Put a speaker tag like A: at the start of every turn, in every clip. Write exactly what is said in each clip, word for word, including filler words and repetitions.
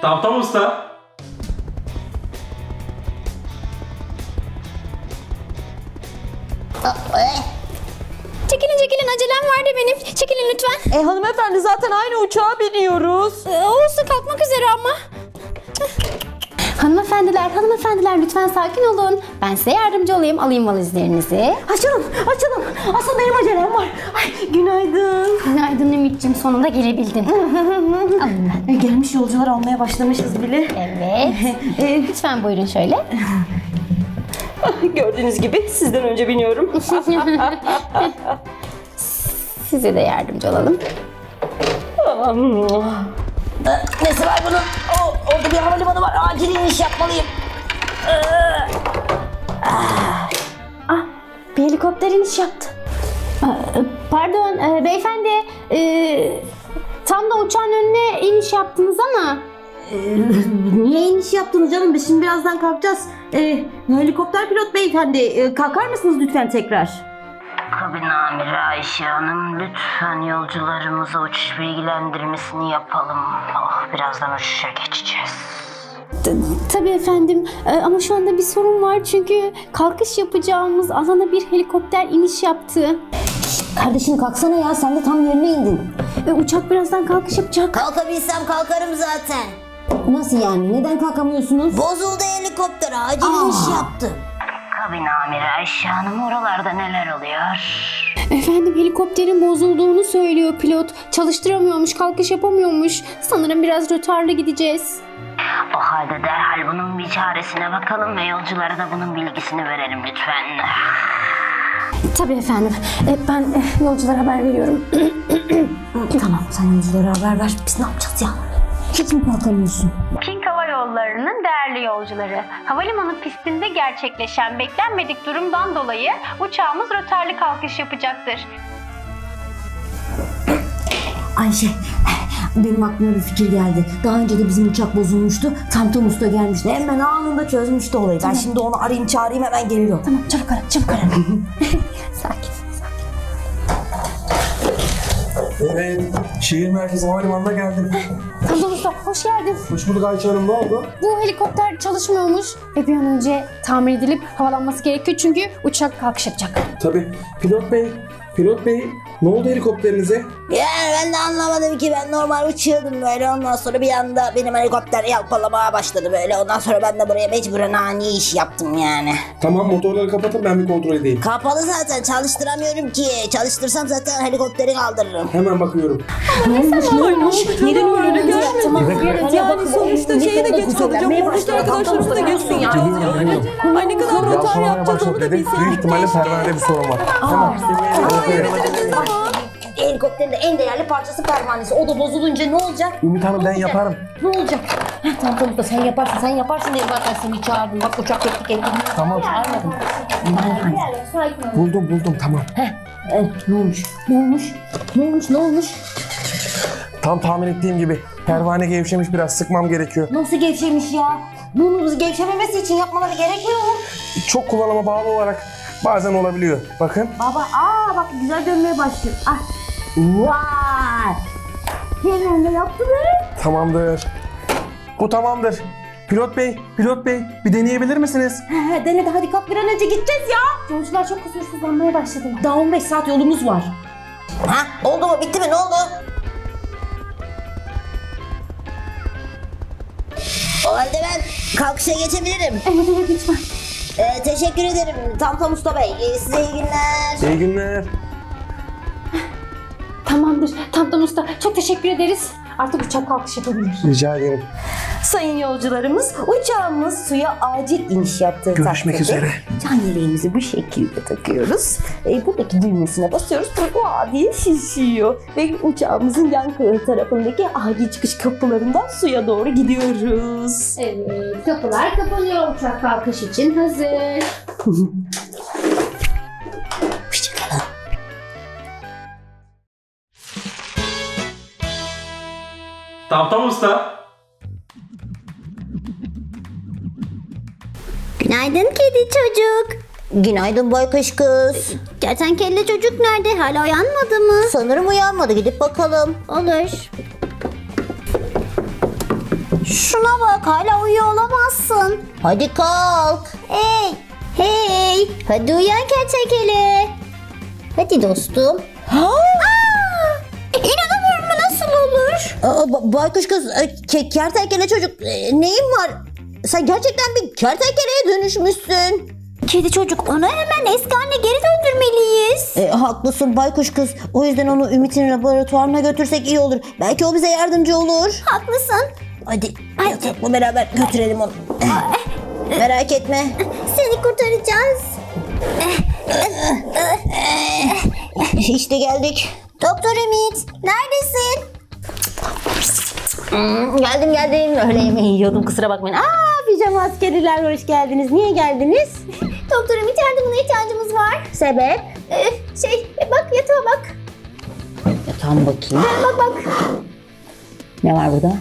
A: Tamam usta.
B: Çekilin çekilin, acelem vardı benim. Çekilin lütfen.
C: E hanımefendi zaten aynı uçağa biniyoruz.
B: Ee, olsun, kalkmak üzere ama. Hanımefendiler, hanımefendiler lütfen sakin olun. Ben size yardımcı olayım. Alayım valizlerinizi.
C: Açalım, açalım. Asıl benim acelem var. Ay, günaydın.
B: Günaydın Ümit'ciğim, sonunda gelebildin. Alın ben.
C: E, gelmiş yolcular almaya başlamışız bile.
B: Evet.
C: E,
B: Lütfen buyurun şöyle.
C: gördüğünüz gibi sizden önce biniyorum.
B: Size de yardımcı olalım.
C: Nesi var bunun? O, orada bir havalimanı var. Acil iniş yapmalıyım. Ah, bir helikopter iniş yaptı.
B: Pardon e, beyefendi. e, tam da uçağın önüne iniş yaptınız ama.
C: Niye iniş yaptınız canım? Biz şimdi birazdan kalkacağız. Ee, helikopter pilot beyefendi, e, kalkar mısınız lütfen tekrar?
D: Kabin amiri Ayşe Hanım, lütfen yolcularımıza uçuş bilgilendirmesini yapalım. Oh, birazdan uçuşa geçeceğiz.
B: Tabii efendim. E, ama şu anda bir sorun var çünkü kalkış yapacağımız alana bir helikopter iniş yaptı.
C: Kardeşim kalksana ya, sen de tam yerine indin.
B: E, uçak birazdan kalkış yapacak.
E: Kalkabilsem kalkarım zaten.
C: Nasıl yani? Neden kalkamıyorsunuz?
E: Bozuldu helikopter, acil iniş yaptı.
D: Kabin amiri Ayşe Hanım, oralarda neler oluyor?
B: Efendim, helikopterin bozulduğunu söylüyor pilot. Çalıştıramıyormuş, kalkış yapamıyormuş. Sanırım biraz rötarlı gideceğiz.
D: O halde derhal bunun bir çaresine bakalım ve yolculara da bunun bilgisini verelim lütfen.
B: Tabii efendim. E, ben e, yolculara haber veriyorum.
C: Tamam, sen yolculara haber ver. Biz ne yapacağız ya? Hiç mi kalkamıyorsun?
F: King Hava Yolları'nın değerli yolcuları, havalimanı pistinde gerçekleşen beklenmedik durumdan dolayı uçağımız rötarlı kalkış yapacaktır.
C: Ayşe, benim aklıma bir fikir geldi. Daha önce de bizim uçak bozulmuştu. Tamtam Usta gelmişti. Hemen anında çözmüştü olayı. Ben şimdi onu arayayım çağırayım, hemen geliyor.
B: Tamam, çabuk ara, çabuk ara. Sakin.
A: Evet, şehir merkezi havalimanına geldim.
B: Tamam usta, hoş geldin.
A: Hoş bulduk Ayça Hanım, ne oldu?
B: Bu helikopter çalışmıyormuş ve bir an önce tamir edilip havalanması gerekiyor çünkü uçak kalkış yapacak.
A: Tabii. Pilot bey, pilot bey, ne oldu helikopterinize?
E: Yani ben de anlamadım ki, ben normal uçuyordum böyle, ondan sonra bir anda benim helikopter yalpalamaya başladı böyle, ondan sonra ben de buraya mecburen ani iş yaptım yani.
A: Tamam, motorları kapatın, ben bir kontrol edeyim.
E: Kapalı zaten, çalıştıramıyorum ki. Çalıştırsam zaten helikopteri kaldırırım.
A: Hemen bakıyorum.
C: Neden öyle gelmedi?
B: Tamam,
C: Yani sonuçta şeyi de geç kalacağım. Oradaki arkadaşlarımız da geç kalacağız yani. Ay ne kadar rötar yapacağız onu da bilseydik.
A: Büyük ihtimalle pervanede bir sorun var. Tamam.
E: Helikopterin de en değerli parçası pervanesi. O da bozulunca ne olacak?
A: Ümit Hanım, ben yaparım.
E: Ne olacak? Heh, tamam tamam da sen yaparsın, sen yaparsın diye zaten seni çağırdım. Bak uçak yaptık elini.
A: Tamam.
E: Çağırmadım.
A: Buldum buldum, tamam.
E: Evet, ne olmuş? Ne olmuş? Ne olmuş? Ne olmuş?
A: Tam tahmin ettiğim gibi pervane gevşemiş, biraz sıkmam gerekiyor.
E: Nasıl gevşemiş ya? Bunu gevşememesi için yapmaları gerekmiyor mu?
A: Çok kullanıma bağlı olarak bazen olabiliyor. Bakın.
E: Baba, aa bak güzel dönmeye başlıyor. Ah. Vay! Hemen de yaptı be.
A: Tamamdır. Bu tamamdır. Pilot bey, pilot bey bir deneyebilir misiniz?
C: He, dene de hadi kalk, bir an önce gideceğiz ya.
B: Yolcular çok huzursuzlanmaya başladı.
C: Daha on beş saat yolumuz var.
E: Ha? Oldu mu? Bitti mi? Ne oldu? O halde ben kalkışa geçebilirim.
B: Evet evet lütfen.
E: Ee, teşekkür ederim Tamtam Usta Bey. Ee, size iyi günler.
A: İyi günler.
B: Tamamdır. Tamam usta. Çok teşekkür ederiz. Artık uçak kalkış yapabilir.
A: Rica ederim.
C: Sayın yolcularımız, uçağımız suya acil iniş yaptığı
A: Görüşmek
C: takdirde
A: üzere.
C: can yeleğimizi bu şekilde takıyoruz. E, buradaki düğmesine basıyoruz. Vaa diye şişiyor. Ve uçağımızın yan tarafındaki acil çıkış kapılarından suya doğru gidiyoruz.
B: Evet. Kapılar kapanıyor. Uçak kalkış için hazır.
E: Hoşçakalın.
A: Tamam usta.
E: Günaydın kedi çocuk. Günaydın baykuş kız.
B: Kertenkele çocuk nerede? Hala uyanmadı mı?
E: Sanırım uyanmadı, gidip bakalım.
B: Olur.
E: Şuna bak, hala uyuyor olamazsın. Hadi kalk. Hey, hey. Hadi uyan kertenkele. Hadi dostum. İnanamıyorum, bu nasıl olur? Aa, ba- baykuş kız, e, ke- kertenkele çocuk, e, neyin var? Sen gerçekten bir kertenkeleye dönüşmüşsün. Kedi çocuk, onu hemen eski haline geri döndürmeliyiz. E, haklısın baykuş kız. O yüzden onu Ümit'in laboratuvarına götürsek iyi olur. Belki o bize yardımcı olur. Haklısın. Hadi yatakla beraber götürelim onu. Merak etme. Seni kurtaracağız. İşte geldik. Doktor Ümit, neredesin? Hmm, geldim geldim. Öğle yemeği yiyordum, kusura bakmayın. Aa, pijama askeriler, hoş geldiniz. Niye geldiniz? Doktor Ümit, yardımına ihtiyacımız var. Sebep? Ee, şey, bak yatağa bak. Yatağıma bakayım. Bak bak. Ne var burada?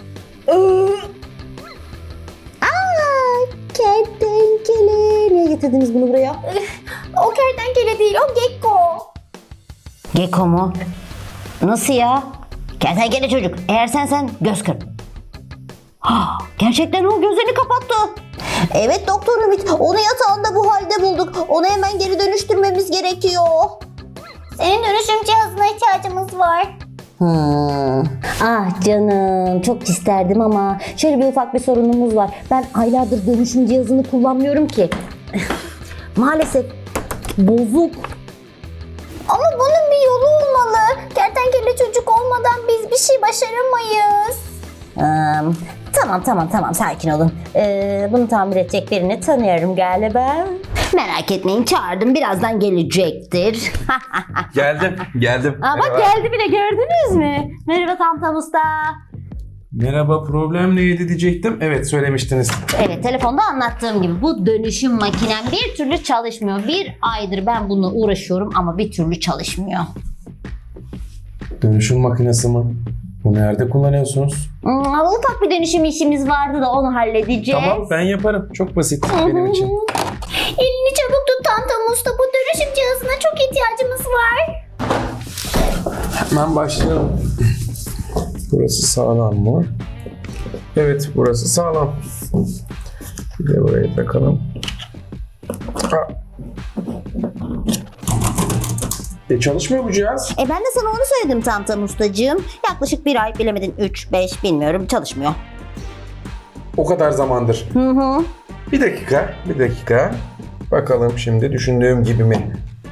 E: Aa, kertenkele. Niye getirdiniz bunu buraya? O kertenkele değil, o gekko. Gekko mu? Nasıl ya? Kertenkele çocuk. Eğer sensen göz kır. Ha, gerçekten o gözlerini kapattı. Evet Doktor Ümit. Onu yatağında bu halde bulduk. Onu hemen geri dönüştürmemiz gerekiyor. Senin dönüşüm cihazına ihtiyacımız var. Hmm. Ah canım, çok isterdim ama şöyle bir ufak bir sorunumuz var. Ben aylardır dönüşüm cihazını kullanmıyorum ki. Maalesef bozuk. Ama bunun bir yolu olmalı. Kertenkele çocuk olmadan biz bir şey başaramayız. Um, tamam tamam tamam sakin olun. Ee, bunu tamir edecek birini tanıyorum galiba. Merak etmeyin, çağırdım, birazdan gelecektir.
A: Geldim, geldim.
C: Aa, bak geldi bile, gördünüz mü? Merhaba Tamtam Usta.
A: Merhaba, problem neydi diyecektim. Evet, söylemiştiniz.
C: Evet, telefonda anlattığım gibi bu dönüşüm makinem bir türlü çalışmıyor. Bir aydır ben bununla uğraşıyorum ama bir türlü çalışmıyor.
A: Dönüşüm makinesi mi? Bu nerede kullanıyorsunuz?
C: Hmm, ufak bir dönüşüm işimiz vardı da onu halledeceğiz.
A: Tamam, ben yaparım. Çok basit benim için.
E: Elini çabuk tut Tantam Usta. Bu dönüşüm cihazına çok ihtiyacımız var.
A: Hemen başlayalım. Burası sağlam mı? Evet, burası sağlam. Bir de buraya takalım. Ha. E çalışmıyor bu cihaz.
C: E ben de sana onu söyledim Tamtam Ustacığım. Yaklaşık bir ay, bilemedin üç beş bilmiyorum, çalışmıyor.
A: O kadar zamandır.
C: Hı hı.
A: Bir dakika, bir dakika. Bakalım şimdi düşündüğüm gibi mi?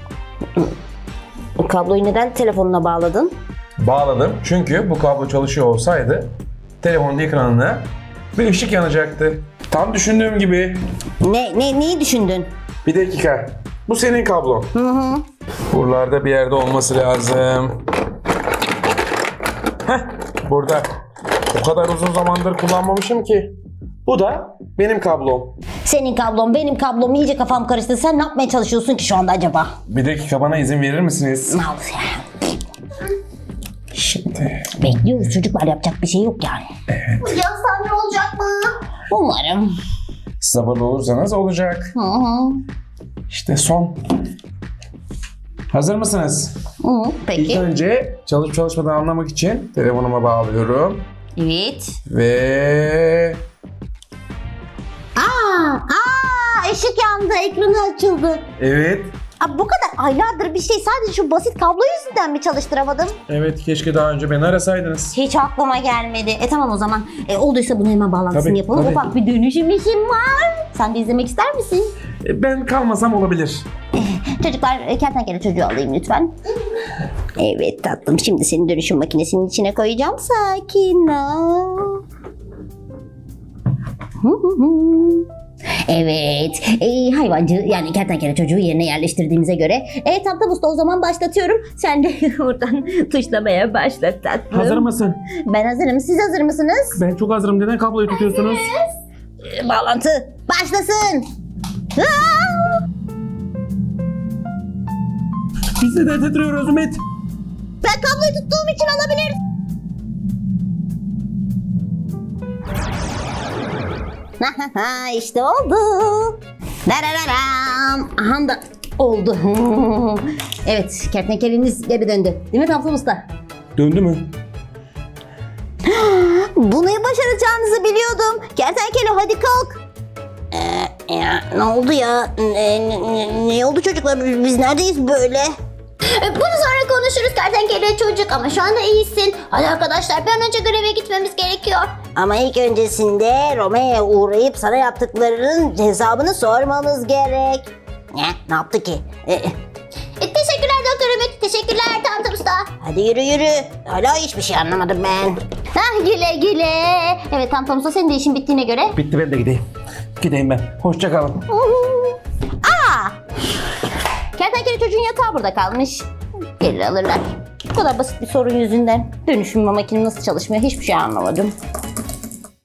C: O kabloyu neden telefonuna bağladın?
A: Bağladım çünkü bu kablo çalışıyor olsaydı telefonun ekranına bir ışık yanacaktı. Tam düşündüğüm gibi.
C: Ne, ne neyi düşündün?
A: Bir dakika. Bu senin kablon.
C: Hı hı.
A: Buralarda bir yerde olması lazım. Heh, burada. O kadar uzun zamandır kullanmamışım ki. Bu da benim kablom.
C: Senin kablon, benim kablom, iyice kafam karıştı. Sen ne yapmaya çalışıyorsun ki şu anda acaba?
A: Bir dakika, bana izin verir misiniz?
C: Ne olur ya?
A: Şimdi.
C: Bekliyoruz çocuklar, yapacak bir şey yok yani.
E: Bu cihaz tamir olacak mı?
C: Umarım.
A: Sabırlı olursanız olacak.
C: Hı hı.
A: İşte son. Hazır mısınız?
C: Hı hı.
A: İlk
C: Peki.
A: önce çalışıp çalışmadığını anlamak için telefonuma bağlıyorum.
C: Evet.
A: Ve...
C: Aa, aa, ışık yandı, ekranı açıldı.
A: Evet.
C: Aa, bu kadar aylardır bir şey sadece şu basit kablo yüzünden mi çalıştıramadım?
A: Evet, keşke daha önce beni arasaydınız.
C: Hiç aklıma gelmedi. E tamam o zaman. E, olduysa bunu hemen bağlantısını
A: Tabii,
C: yapalım.
A: tabii.
C: Ufak bir dönüşüm işim var. Sen de izlemek ister misin?
A: E, Ben kalmasam olabilir.
C: Çocuklar, e, kertenkele çocuğu alayım lütfen. Evet tatlım, şimdi seni dönüşüm makinesinin içine koyacağım. Sakin ol. Hı hı hı. Evet, e, hayvancı yani kertenkele çocuğu yerine yerleştirdiğimize göre e, Tamtam Usta, o zaman başlatıyorum. Sen de buradan tuşlamaya başla tatlım.
A: Hazır mısın?
C: Ben hazırım. Siz hazır mısınız?
A: Ben çok hazırım. Neden kabloyu tutuyorsunuz?
C: E, bağlantı başlasın. Aa!
A: Biz de titriyoruz Ümit.
C: Ben kabloyu tuttuğum için olabilir. İşte oldu. Darararam. Aha da oldu. Evet, kertenkeleniz geri döndü. Değil mi Tamtam Usta?
A: Döndü mü?
E: Bunu başaracağınızı biliyordum. Kertenkele hadi kalk. Ee, ya, ne oldu ya? Ne, ne, ne oldu çocuklar? Biz neredeyiz böyle?
B: Bunu sonra konuşuruz kertenkele çocuk ama şu anda iyisin. Hadi arkadaşlar bir an önce greve gitmemiz gerekiyor.
E: Ama ilk öncesinde Romeo'ya uğrayıp sana yaptıklarının hesabını sormamız gerek. Ne? Ne yaptı ki? Ee,
B: E, teşekkürler Doktor Ümit. Teşekkürler Tamtam Usta.
E: hadi yürü yürü. Hala hiçbir şey anlamadım ben.
B: Hah güle güle. Evet Tamtam Usta senin de işin bittiğine göre.
A: Bitti, ben de gideyim. Gideyim ben. Hoşça kalın.
E: Kertenkele çocuğun yatağı burada kalmış. Gelir alırlar. Bu kadar basit bir sorun yüzünden dönüşüm makinem nasıl çalışmıyor hiçbir şey anlamadım.